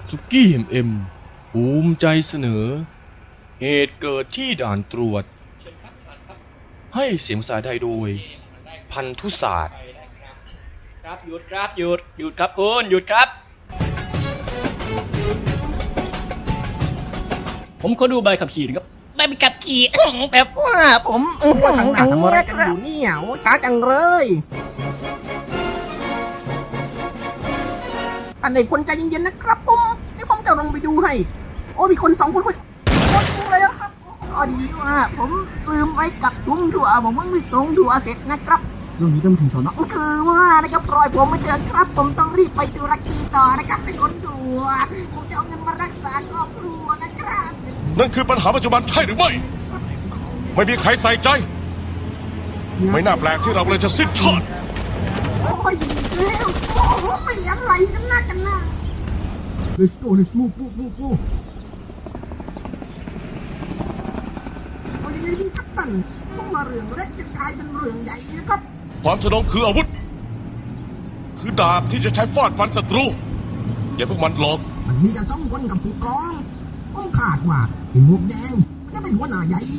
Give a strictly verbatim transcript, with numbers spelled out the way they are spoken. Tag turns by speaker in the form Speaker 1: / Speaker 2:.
Speaker 1: สุกี้เอ็มเอ็มภูมิใจเสนอเหตุเกิดที่ด่านตรวจให้เสียงภาษาไทยโดยพันธุศาสตร์
Speaker 2: ครับหยุดครับหยุดหยุดครับคุณหยุดครับผมขอดูใบขับขี่นะครับใบขับขี่แบบว่าผม
Speaker 3: ว่าทางหน้าทำอะไรกันอยู่เนี่ยโอ้ช้าจังเลยอันไหนคนใจเย็นๆนะครับผมให้ผมจะลงไปดูให้โอ้มีคนสองคนคนโอ้จริงเลยครับอ๋อดีว่าผมลืมไว้กับถุงถั่วผมเพิ่งไปส่งถั่วเสร็จนะครับเรื่องนี้ต้องถึงสอนอคือว่านะครับปล่อยผมไม่เถอะครับผมต้องรีบไปตุรกีต่อนะครับเป็นคนถั่วผมจะเอาเงินมารักษาครอบครัวนะครับ
Speaker 4: นั่นคือปัญหาปัจจุบันใช่หรือไม่ไม่มีใครใส่ใจไม่น่าแปลกที่เราเลยจะสิ้นทอด
Speaker 3: โอ้ยยิงอีกแล้วโอ้ยอะไรกันนะกันนะ Let's go let's move move move move เอายังไงดีครับท่านพวกมาเรื่องเล็กจะกลายเป็นเรื่องใหญ่นะครับ
Speaker 4: ความทะนงคืออาวุธคือดาบที่จะใช้ฟาดฟันศัตรูอย่าพวกมันหลอก
Speaker 3: มันมีแต่สองคนกับผู้กองผมคาดว่าไอ้หมวกแดงมันจะเป็นหัวหน้าใหญ่